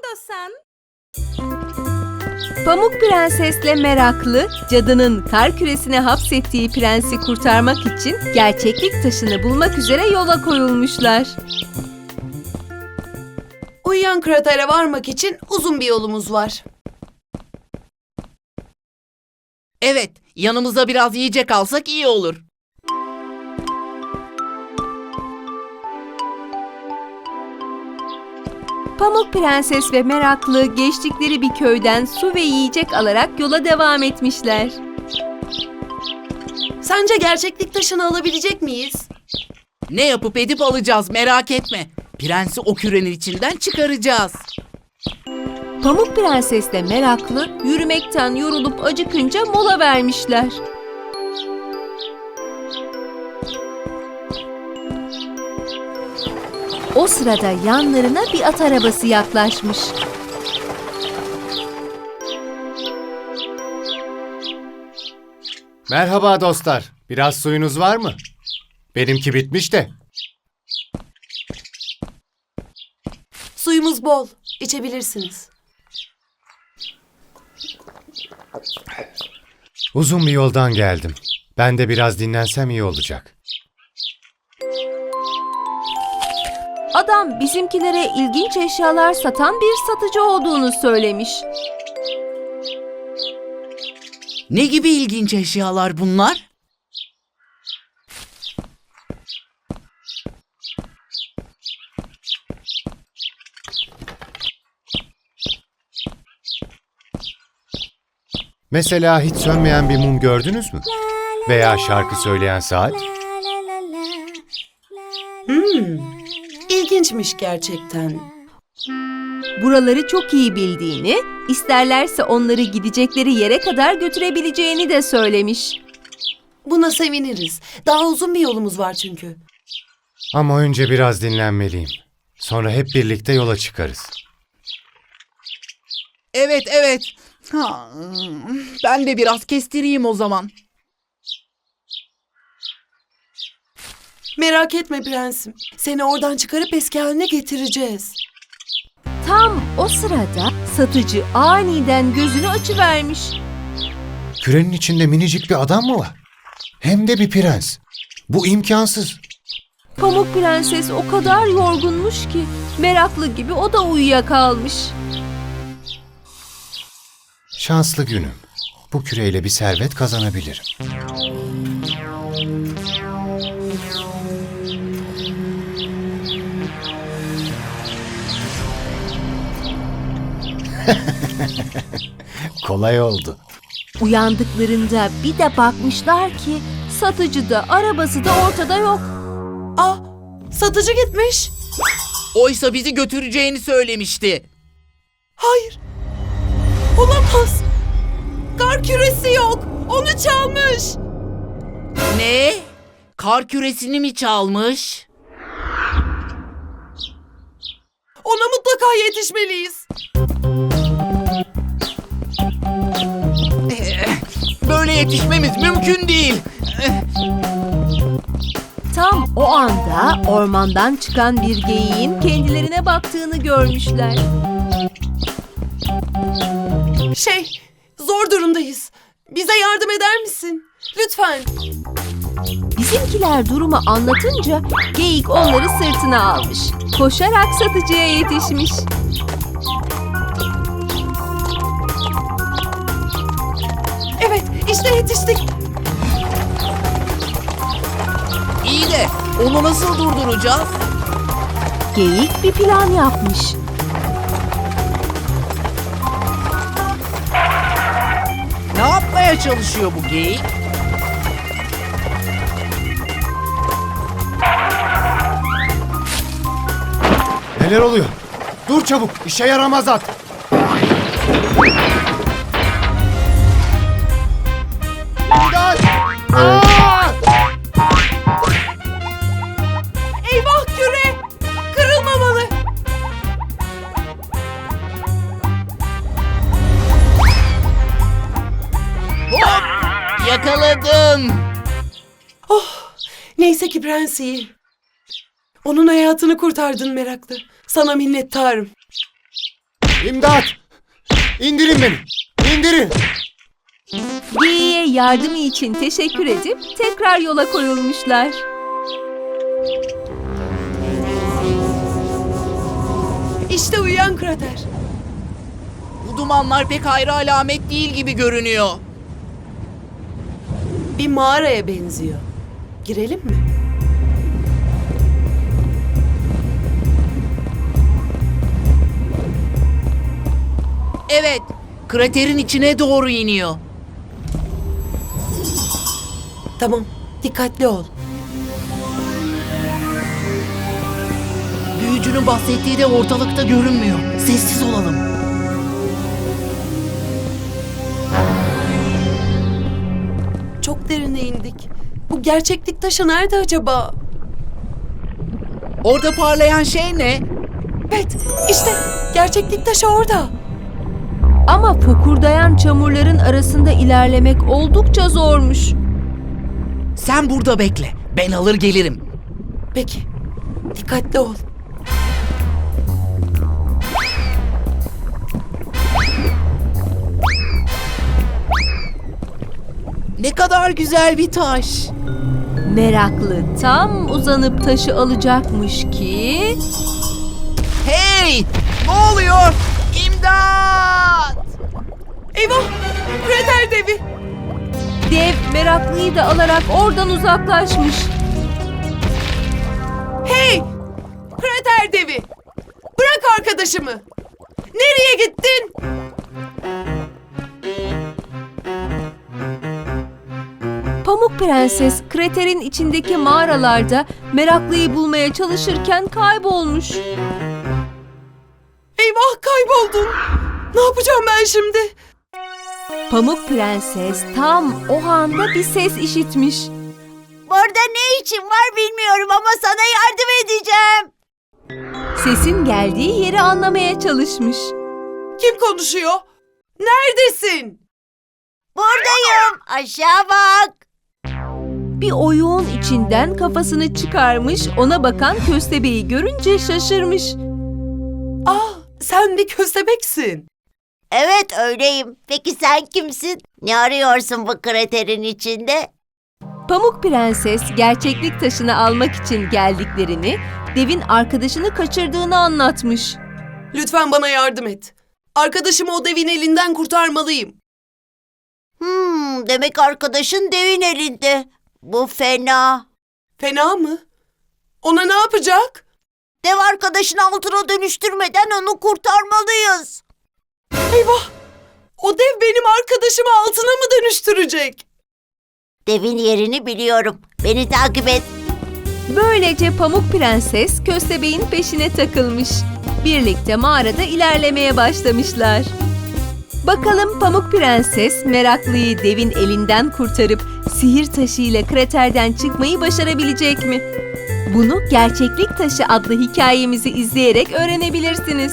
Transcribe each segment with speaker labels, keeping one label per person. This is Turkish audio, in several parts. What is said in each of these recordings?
Speaker 1: istiyorsan.
Speaker 2: Pamuk Prensesle Meraklı, cadının kar küresine hapsettiği prensi kurtarmak için gerçeklik taşını bulmak üzere yola koyulmuşlar.
Speaker 1: Uyuyan kratere varmak için uzun bir yolumuz var.
Speaker 3: Evet, yanımıza biraz yiyecek alsak iyi olur.
Speaker 2: Pamuk Prenses ve Meraklı geçtikleri bir köyden su ve yiyecek alarak yola devam etmişler.
Speaker 1: Sence gerçeklik taşını alabilecek miyiz?
Speaker 3: Ne yapıp edip alacağız, merak etme. Prensi o kürenin içinden çıkaracağız.
Speaker 2: Pamuk Prensesle Meraklı yürümekten yorulup acıkınca mola vermişler. O sırada yanlarına bir at arabası yaklaşmış.
Speaker 4: Merhaba dostlar. Biraz suyunuz var mı? Benimki bitmiş de.
Speaker 1: Suyumuz bol. İçebilirsiniz.
Speaker 4: Uzun bir yoldan geldim. Ben de biraz dinlensem iyi olacak.
Speaker 2: Adam bizimkilere ilginç eşyalar satan bir satıcı olduğunu söylemiş.
Speaker 3: Ne gibi ilginç eşyalar bunlar?
Speaker 4: Mesela hiç sönmeyen bir mum gördünüz mü? Veya şarkı söyleyen saat?
Speaker 1: İlginçmiş gerçekten.
Speaker 2: Buraları çok iyi bildiğini, isterlerse onları gidecekleri yere kadar götürebileceğini de söylemiş.
Speaker 1: Buna seviniriz. Daha uzun bir yolumuz var çünkü.
Speaker 4: Ama önce biraz dinlenmeliyim. Sonra hep birlikte yola çıkarız.
Speaker 3: Evet. Ben de biraz kestireyim o zaman.
Speaker 1: Merak etme prensim. Seni oradan çıkarıp eski haline getireceğiz.
Speaker 2: Tam o sırada satıcı aniden gözünü açıvermiş.
Speaker 4: Kürenin içinde minicik bir adam mı var? Hem de bir prens. Bu imkansız.
Speaker 2: Pamuk Prenses o kadar yorgunmuş ki meraklı gibi o da uyuyakalmış.
Speaker 4: Şanslı günüm. Bu küreyle bir servet kazanabilirim. Kolay oldu.
Speaker 2: Uyandıklarında bir de bakmışlar ki satıcı da arabası da ortada yok.
Speaker 1: Satıcı gitmiş.
Speaker 3: Oysa bizi götüreceğini söylemişti.
Speaker 1: Hayır. Olamaz. Kar küresi yok. Onu çalmış.
Speaker 3: Ne? Kar küresini mi çalmış?
Speaker 1: Ona mutlaka yetişmeliyiz.
Speaker 3: Böyle yetişmemiz mümkün değil.
Speaker 2: Tam o anda ormandan çıkan bir geyiğin kendilerine baktığını görmüşler.
Speaker 1: Zor durumdayız. Bize yardım eder misin? Lütfen.
Speaker 2: Bizimkiler durumu anlatınca geyik onları sırtına almış. Koşarak satıcıya yetişmiş.
Speaker 1: Evet, işte yetiştik.
Speaker 3: İyi de onu nasıl durduracağız?
Speaker 2: Geyik bir plan yapmış.
Speaker 3: Ne yapmaya çalışıyor bu geyik?
Speaker 4: Neler oluyor? Dur çabuk, işe yaramaz at. İmdat! Aa!
Speaker 1: Eyvah küre! Kırılmamalı.
Speaker 3: Hop! Yakaladım.
Speaker 1: Neyse ki prens iyi. Onun hayatını kurtardın meraklı. Sana minnettarım.
Speaker 4: İmdat! İndirin beni! İndirin!
Speaker 2: Geyiğe yardımı için teşekkür edip tekrar yola koyulmuşlar.
Speaker 1: İşte uyuyan krater.
Speaker 3: Bu dumanlar pek hayra alamet değil gibi görünüyor.
Speaker 1: Bir mağaraya benziyor. Girelim mi?
Speaker 3: Evet, kraterin içine doğru iniyor.
Speaker 1: Tamam, dikkatli ol.
Speaker 3: Büyücünün bahsettiği de ortalıkta görünmüyor. Sessiz olalım.
Speaker 1: Çok derine indik. Bu gerçeklik taşı nerede acaba?
Speaker 3: Orada parlayan şey ne?
Speaker 1: Evet, işte gerçeklik taşı orada.
Speaker 2: Ama fokurdayan çamurların arasında ilerlemek oldukça zormuş.
Speaker 3: Sen burada bekle. Ben alır gelirim.
Speaker 1: Peki, dikkatli ol.
Speaker 3: Ne kadar güzel bir taş.
Speaker 2: Meraklı tam uzanıp taşı alacakmış ki...
Speaker 3: Hey! Ne oluyor? İmdat!
Speaker 1: Eyvah! Krater devi!
Speaker 2: Dev meraklıyı da alarak oradan uzaklaşmış.
Speaker 1: Hey! Krater devi! Bırak arkadaşımı! Nereye gittin?
Speaker 2: Pamuk Prenses kraterin içindeki mağaralarda meraklıyı bulmaya çalışırken kaybolmuş.
Speaker 1: Eyvah, kayboldun! Ne yapacağım ben şimdi?
Speaker 2: Pamuk Prenses tam o anda bir ses işitmiş.
Speaker 5: Burada ne için var bilmiyorum ama sana yardım edeceğim.
Speaker 2: Sesin geldiği yeri anlamaya çalışmış.
Speaker 1: Kim konuşuyor? Neredesin?
Speaker 5: Buradayım. Aşağı bak.
Speaker 2: Bir oyuğun içinden kafasını çıkarmış, ona bakan köstebeği görünce şaşırmış.
Speaker 1: Sen bir köstebeksin.
Speaker 5: Evet öyleyim. Peki sen kimsin? Ne arıyorsun bu kraterin içinde?
Speaker 2: Pamuk Prenses gerçeklik taşını almak için geldiklerini, devin arkadaşını kaçırdığını anlatmış.
Speaker 1: Lütfen bana yardım et. Arkadaşımı o devin elinden kurtarmalıyım.
Speaker 5: Demek arkadaşın devin elinde. Bu fena.
Speaker 1: Fena mı? Ona ne yapacak?
Speaker 5: Dev arkadaşını altına dönüştürmeden onu kurtarmalıyız.
Speaker 1: Eyvah! O dev benim arkadaşımı altına mı dönüştürecek?
Speaker 5: Devin yerini biliyorum. Beni takip et.
Speaker 2: Böylece Pamuk Prenses köstebeğin peşine takılmış. Birlikte mağarada ilerlemeye başlamışlar. Bakalım Pamuk Prenses meraklıyı devin elinden kurtarıp sihir taşıyla kraterden çıkmayı başarabilecek mi? Bunu Gerçeklik Taşı adlı hikayemizi izleyerek öğrenebilirsiniz.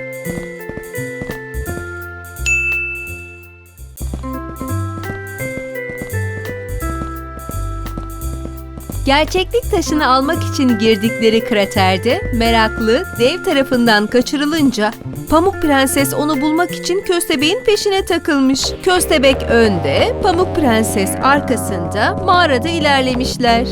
Speaker 2: Gerçeklik taşını almak için girdikleri kraterde meraklı dev tarafından kaçırılınca Pamuk Prenses onu bulmak için köstebeğin peşine takılmış. Köstebek önde, Pamuk Prenses arkasında mağarada ilerlemişler.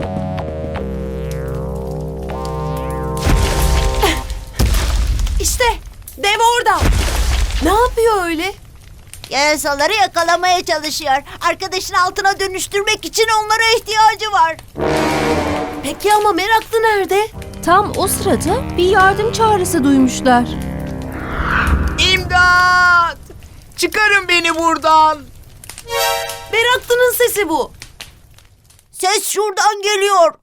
Speaker 1: İşte dev orada. Ne yapıyor öyle?
Speaker 5: Yarasaları yakalamaya çalışıyor. Arkadaşını altına dönüştürmek için onlara ihtiyacı var.
Speaker 1: Peki ama meraklı nerede?
Speaker 2: Tam o sırada bir yardım çağrısı duymuşlar.
Speaker 3: İmdat! Çıkarın beni buradan.
Speaker 1: Meraklının sesi bu.
Speaker 5: Ses şuradan geliyor.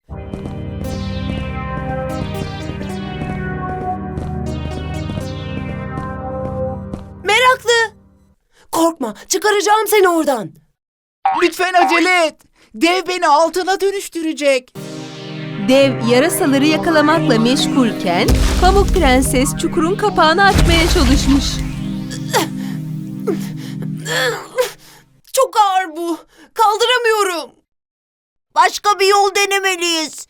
Speaker 1: Meraklı! Korkma, çıkaracağım seni oradan.
Speaker 3: Lütfen acele et. Dev beni altına dönüştürecek.
Speaker 2: Dev yarasaları yakalamakla meşgulken Pamuk Prenses çukurun kapağını açmaya çalışmış.
Speaker 1: Çok ağır bu. Kaldıramıyorum.
Speaker 5: Başka bir yol denemeliyiz.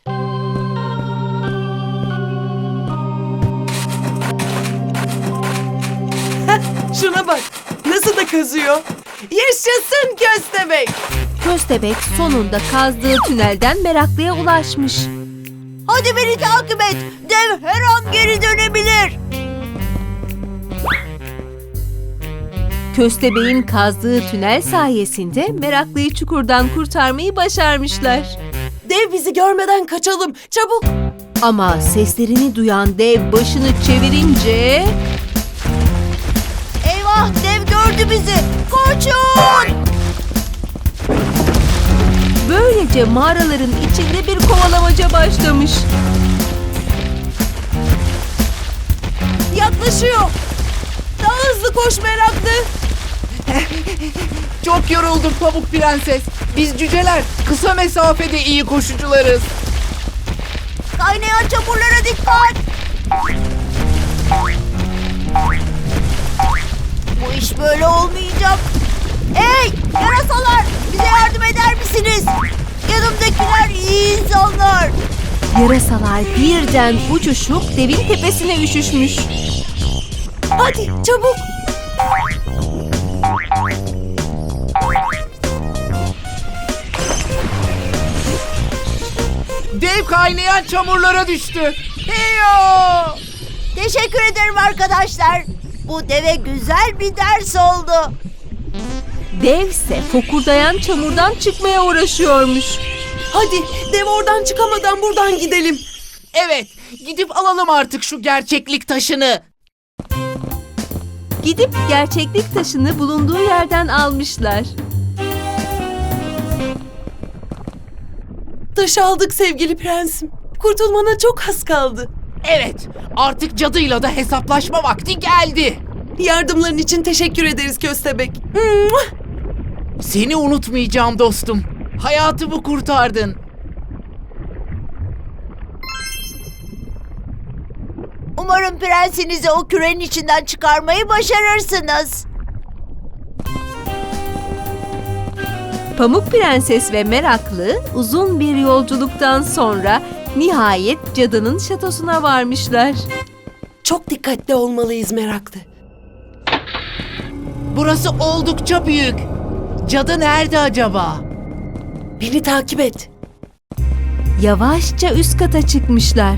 Speaker 1: Şuna bak. Nasıl da kazıyor. Yaşasın köstebek.
Speaker 2: Köstebek sonunda kazdığı tünelden meraklıya ulaşmış.
Speaker 5: Hadi beni takip et. Dev her an geri dönebilir.
Speaker 2: Köstebeğin kazdığı tünel sayesinde meraklıyı çukurdan kurtarmayı başarmışlar.
Speaker 1: Dev bizi görmeden kaçalım. Çabuk.
Speaker 2: Ama seslerini duyan dev başını çevirince...
Speaker 5: Eyvah, dev gördü bizi. Koşun!
Speaker 2: Böylece mağaraların içinde bir kovalamaca başlamış.
Speaker 1: Yaklaşıyor. Daha hızlı koş meraklı.
Speaker 3: Çok yorulduk Pamuk Prenses. Biz cüceler kısa mesafede iyi koşucularız.
Speaker 5: Kaynayan çamurlara dikkat. Bu iş böyle olmayacak. Hey yarasalar, bize yardım eder misiniz? Yanımdakiler iyi insanlar.
Speaker 2: Yarasalar birden uçuşup devin tepesine üşüşmüş.
Speaker 1: Hadi çabuk.
Speaker 3: Dev kaynayan çamurlara düştü. Heyo!
Speaker 5: Teşekkür ederim arkadaşlar. Bu deve güzel bir ders oldu.
Speaker 2: Devse fokurdayan çamurdan çıkmaya uğraşıyormuş.
Speaker 1: Hadi dev oradan çıkamadan buradan gidelim.
Speaker 3: Evet, gidip alalım artık şu gerçeklik taşını.
Speaker 2: Gidip gerçeklik taşını bulunduğu yerden almışlar.
Speaker 1: Taşı aldık sevgili prensim. Kurtulmana çok az kaldı.
Speaker 3: Evet, artık cadıyla da hesaplaşma vakti geldi.
Speaker 1: Yardımların için teşekkür ederiz köstebek.
Speaker 3: Seni unutmayacağım dostum. Hayatımı kurtardın.
Speaker 5: Umarım prensinizi o kürenin içinden çıkarmayı başarırsınız.
Speaker 2: Pamuk Prenses ve Meraklı uzun bir yolculuktan sonra nihayet cadının şatosuna varmışlar.
Speaker 1: Çok dikkatli olmalıyız meraklı.
Speaker 3: Burası oldukça büyük. Cadı nerede acaba?
Speaker 1: Beni takip et.
Speaker 2: Yavaşça üst kata çıkmışlar.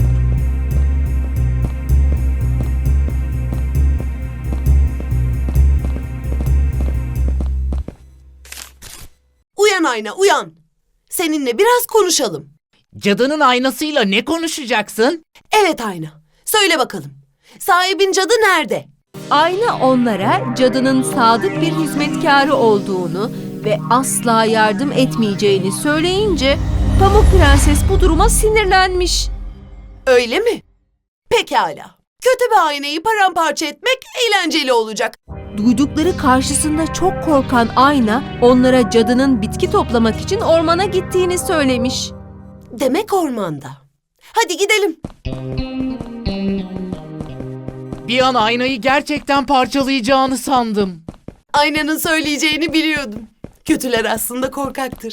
Speaker 1: Uyan ayna uyan. Seninle biraz konuşalım.
Speaker 3: Cadının aynasıyla ne konuşacaksın?
Speaker 1: Evet ayna. Söyle bakalım. Sahibin cadı nerede?
Speaker 2: Ayna onlara cadının sadık bir hizmetkarı olduğunu ve asla yardım etmeyeceğini söyleyince Pamuk Prenses bu duruma sinirlenmiş.
Speaker 1: Öyle mi? Pekala. Kötü bir aynayı paramparça etmek eğlenceli olacak.
Speaker 2: Duydukları karşısında çok korkan Ayna onlara cadının bitki toplamak için ormana gittiğini söylemiş.
Speaker 1: Demek ormanda. Hadi gidelim.
Speaker 3: Bir an aynayı gerçekten parçalayacağını sandım.
Speaker 1: Aynanın söyleyeceğini biliyordum. Kötüler aslında korkaktır.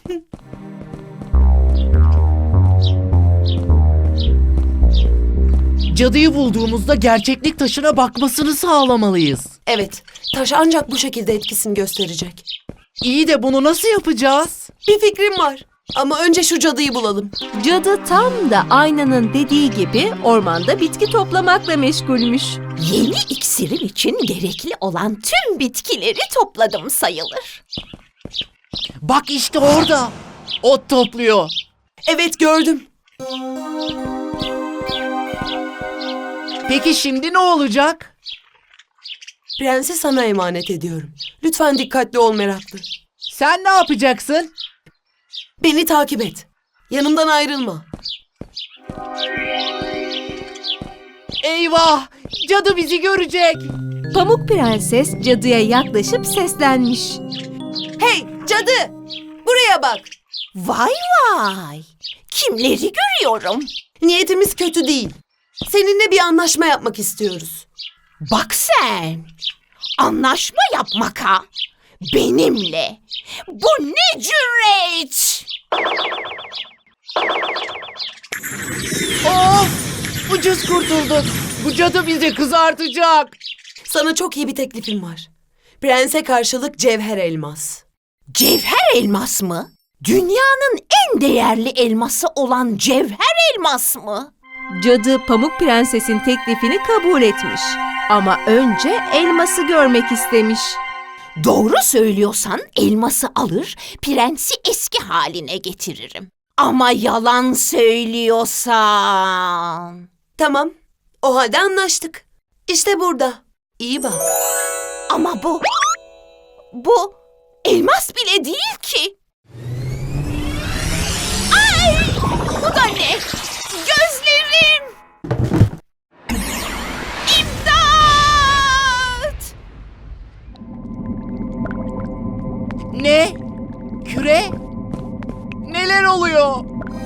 Speaker 3: Cadıyı bulduğumuzda gerçeklik taşına bakmasını sağlamalıyız.
Speaker 1: Evet, taş ancak bu şekilde etkisini gösterecek.
Speaker 3: İyi de bunu nasıl yapacağız?
Speaker 1: Bir fikrim var. Ama önce şu cadıyı bulalım.
Speaker 2: Cadı tam da Aynanın dediği gibi ormanda bitki toplamakla meşgulmüş.
Speaker 6: Yeni iksirim için gerekli olan tüm bitkileri topladım sayılır.
Speaker 3: Bak işte orada. Ot topluyor.
Speaker 1: Evet gördüm.
Speaker 3: Peki şimdi ne olacak?
Speaker 1: Prensi sana emanet ediyorum. Lütfen dikkatli ol meraklı.
Speaker 3: Sen ne yapacaksın?
Speaker 1: Beni takip et. Yanımdan ayrılma.
Speaker 3: Eyvah! Cadı bizi görecek.
Speaker 2: Pamuk Prenses cadıya yaklaşıp seslenmiş.
Speaker 1: Hey cadı! Buraya bak.
Speaker 6: Vay vay! Kimleri görüyorum?
Speaker 1: Niyetimiz kötü değil. Seninle bir anlaşma yapmak istiyoruz.
Speaker 6: Bak sen! Anlaşma yapmak ha? Benimle! Bu ne cüret!
Speaker 3: Of! Ucuz kurtulduk. Bu cadı bizi kızartacak.
Speaker 1: Sana çok iyi bir teklifim var. Prense karşılık cevher elmas.
Speaker 6: Cevher elmas mı? Dünyanın en değerli elması olan cevher elmas mı?
Speaker 2: Cadı Pamuk Prenses'in teklifini kabul etmiş. Ama önce elması görmek istemiş.
Speaker 6: Doğru söylüyorsan elması alır, prensi eski haline getiririm. Ama yalan söylüyorsan...
Speaker 1: Tamam. O halde anlaştık. İşte burada. İyi bak.
Speaker 6: Ama bu elmas bile değil ki. Ay! Bu da ne? Gözlerim! İmdat!
Speaker 3: Ne? Küre? Neler oluyor?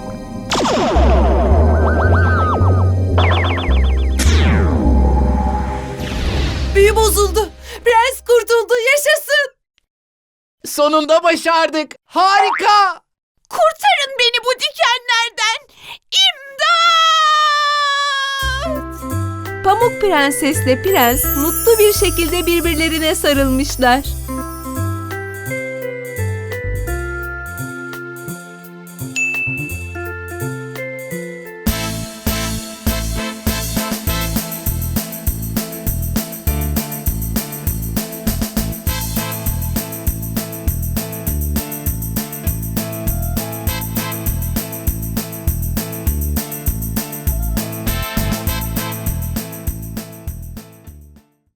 Speaker 1: Büyü bozuldu. Prens kurtuldu. Yaşasın.
Speaker 3: Sonunda başardık. Harika.
Speaker 6: Kurtarın beni bu dikenlerden! İmdat!
Speaker 2: Pamuk Prensesle Prens mutlu bir şekilde birbirlerine sarılmışlar.